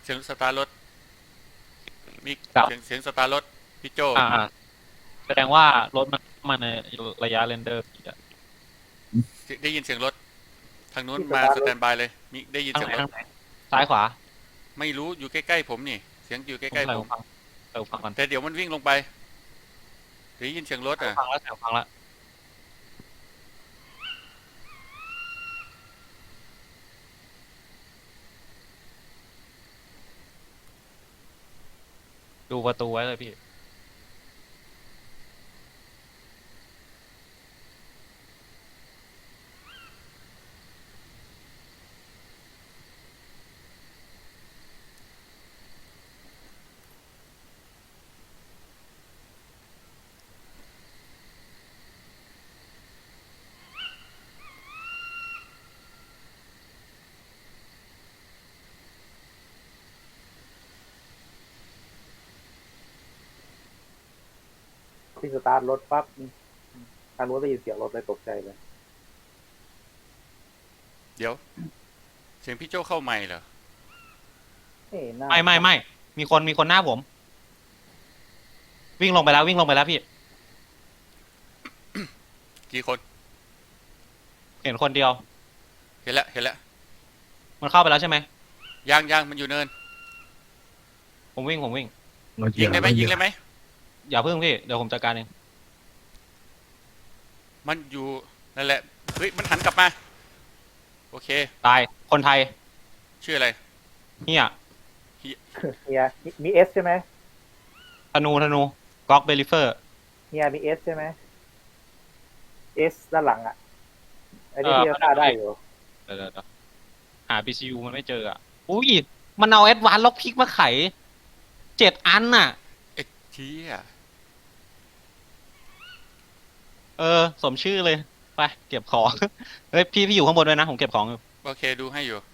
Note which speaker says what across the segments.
Speaker 1: เสียงสตาร์รถมี
Speaker 2: กับ
Speaker 1: เสียงสตาร์รถพี่โจ
Speaker 2: แสดงว่ารถมันมาในระยะเรนเดอร์ผิดอะ
Speaker 1: ได้ยินเสียงรถทางนู้น
Speaker 3: ที่ส
Speaker 1: มาส
Speaker 3: ตาร์ทรถ
Speaker 1: แตนบายเลยมีได้ยินเสียงรถ
Speaker 2: ทางไหนทางไหนซ้ายขวา
Speaker 1: ไม่รู้อยู่ใกล้ๆผมนี่เสียงอยู่ใก
Speaker 2: ผม
Speaker 1: ล้ๆผม
Speaker 2: ใส่หูฟังใส่หูฟังก่อน
Speaker 1: แต่เดี๋ยวมันวิ่งลงไปได้ยินเสียงรถ
Speaker 2: ใส่หู
Speaker 1: อ่ะ
Speaker 2: ฟังแล้วใส่หูฟังแล้วดูประตูไว้เลยพี่
Speaker 3: ที่สตาร์ทรถปั๊บทางนู้นได้ยินเสียงรถเลยตกใจเลย
Speaker 1: เดี๋ยวเสียงพี่โจเข้าใหม่เหรอ
Speaker 3: เอ้หน้า
Speaker 2: ไม่มีคนหน้าผมวิ่งลงไปแล้ววิ่งลงไปแล้วพี่
Speaker 1: กี่คน
Speaker 2: เห็นคนเดียว
Speaker 1: เห็นแล้ว
Speaker 2: มันเข้าไปแล้วใช่ไหม
Speaker 1: ยังมันอยู่เนิน
Speaker 2: ผมวิ่ง
Speaker 1: ยิงได้ไหมยิงได้ไหม
Speaker 2: อย่าเพิ่งพี่เดี๋ยวผมจัดการเอง
Speaker 1: มันอยู่นั่นแหละเฮ้ยมันหันกลับมาโอเค
Speaker 2: ตายคนไทย
Speaker 1: ชื่ออะไร
Speaker 2: เฮีย
Speaker 3: เฮียมีเอสใช่ไหม
Speaker 2: ธนูก๊อกเบลิเฟอร์
Speaker 3: เฮียมีเอสใช่ไหมเอสด้านหลังอ่ะไอ้นี่ที่จะฆ่าได้อยู่
Speaker 2: เดี๋ยวหา PCU มันไม่เจออ่ะอุ้ยมันเอาแอดวานซ์ล็อกพิกมาไข7 อันน่ะ
Speaker 1: เอ็ดชี้อ่ะ
Speaker 2: สมชื่อเลยไปเก็บของเฮ้ยพี่อยู่ข้างบนด้วยนะผมเก็บของอยู่
Speaker 1: โอเคดูให้อยู่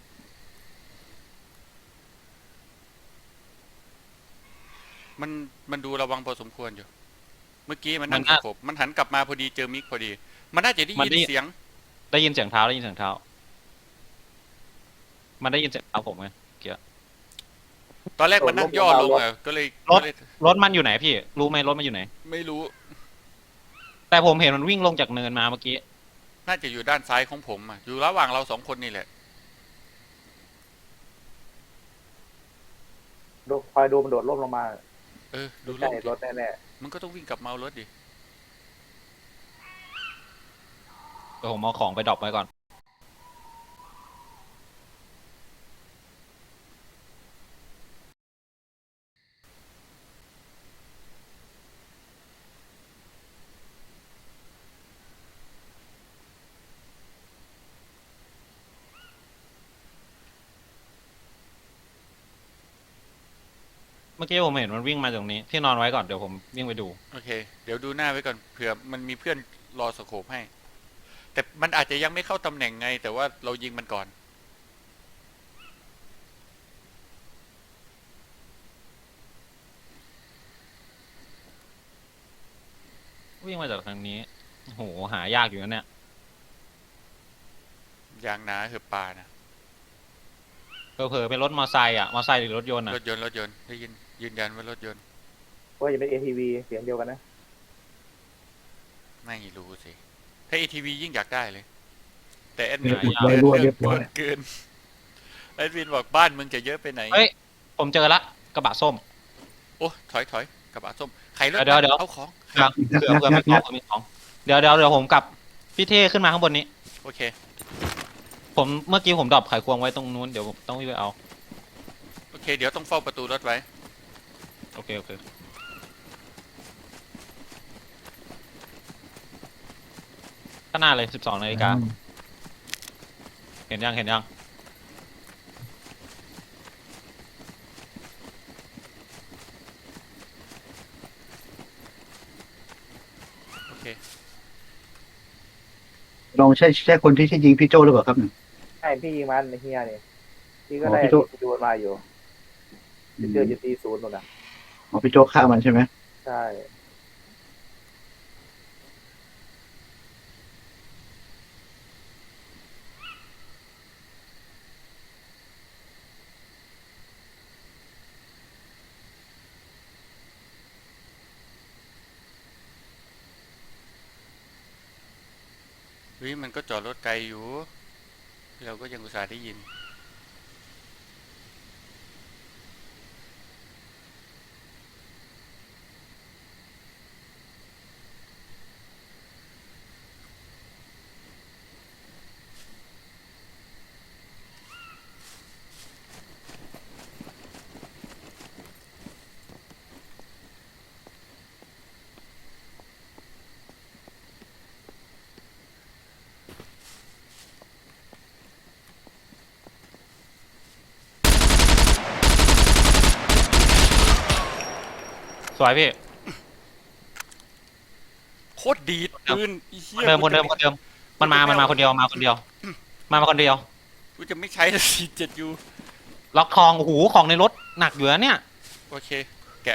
Speaker 1: มันมันดูระวังพอสมควรอยู่เมื่อกี้มันนั่งส
Speaker 2: มันน่า
Speaker 1: โคบมันหันกลับมาพอดีเจอมิกพอดีมันน่าจะได้
Speaker 2: มันได้
Speaker 1: ยินเสียง
Speaker 2: ได้ยินเสียงเท้าได้ยินเสียงเท้ามันได้ยินเสียงเท้าผมไงเกียร์
Speaker 1: ตอนแรก
Speaker 3: โด
Speaker 1: มันนั่งย่อลงอ่ะก็เลย
Speaker 2: รถ
Speaker 1: ก็เลย
Speaker 2: รถมันอยู่ไหนพี่รู้ไหมรถมันอยู่ไหน
Speaker 1: ไม่รู้
Speaker 2: แต่ผมเห็นมันวิ่งลงจากเนินมาเมื่อกี้
Speaker 1: น่าจะอยู่ด้านซ้ายของผมอ่ะอยู่ระหว่างเราสองคนนี่แหละ
Speaker 3: ดูคอยดูมันโดดร่มลงมา
Speaker 1: ดูร
Speaker 3: ใกล้
Speaker 1: ถ
Speaker 3: รถแน่
Speaker 1: มันก็ต้องวิ่งกลับมาเอารถดิ
Speaker 2: เดี๋ยวผมเอาของไปดรอปไว้ก่อนเมื่อกี้ผมเห็นมันวิ่งมาตรงนี้ที่นอนไว้ก่อนเดี๋ยวผมวิ่งไปดู
Speaker 1: โอเคเดี๋ยวดูหน้าไว้ก่อนเผื่อมันมีเพื่อนรอสโคปให้แต่มันอาจจะยังไม่เข้าตำแหน่งไงแต่ว่าเรายิงมันก่อน
Speaker 2: วิ่งมาจากทางนี้โหหายากอยู่นะเนี่ย
Speaker 1: ยางนาคือปลานะ
Speaker 2: เผลอๆเป็นรถมอไซค์อ่ะมอไซค์หรือรถยนต์อ่ะ
Speaker 1: รถยนต์ได้ยินยืนยันว่ารถยนต์
Speaker 3: ๆว่าจะเป็น ATV เสียงเดียวกันนะ
Speaker 1: ไม่รู้สิถ้า ATV ยิ่งอยากได้เลยแต่แอดมิน
Speaker 2: หายาก
Speaker 1: พูดเกิน
Speaker 4: เรียบร้อย
Speaker 1: เกินแอดมินบอกบ้านมึงจะเยอะไปไหน
Speaker 2: เฮ้ยผมเจอละกระบะส้ม
Speaker 1: โอ้ถอยกระบะส้มไข่รถ
Speaker 2: เดี๋ยว
Speaker 1: เอาของ
Speaker 2: เผื่อมีของเดี๋ยวผมกับพี่เท่ขึ้นมาข้างบนนี้
Speaker 1: โอเค
Speaker 2: ผมเมื่อกี้ผมดรอปไขควงไว้ตรงนู้นเดี๋ยวผมต้องวิ่งไปเอา
Speaker 1: โอเคเดี๋ยวต้องเฝ้าประตูรถไว้
Speaker 2: โอเคข้างหน้าเลย12 นาฬิกาเห็นยัง
Speaker 1: โอเค
Speaker 4: ลองใช่คนที่ยิงพี่โจหรือเปล่าครับเนี่ย
Speaker 3: ใช่พี่ยิงมันเฮียเนี่ยพี่ก็
Speaker 4: อ๋อ
Speaker 3: ได้
Speaker 4: พี่โจ
Speaker 3: ดูมันมาอยู่
Speaker 4: อื
Speaker 3: เจอ
Speaker 4: ม
Speaker 3: จุดตีศูนย์นู่นน่ะ
Speaker 4: อ๋อพี่โจฆ่ามันใช่ไหม
Speaker 3: ใช่
Speaker 1: ฮ้ยมันก็จอดรถไกลอยู่เราก็ยังอุตส่าห์ได้ยิน
Speaker 2: สวยพี่
Speaker 1: โคตรดีดปืนไอ้เหี้ย
Speaker 2: คนเดิมมันมาคนเดียวมาคนเดียว
Speaker 1: กูจะไม่ใช้แล้ว47 ยู
Speaker 2: ล็อกทองโอ้โหของในรถหนักอยู่นะเนี่ย
Speaker 1: โอเค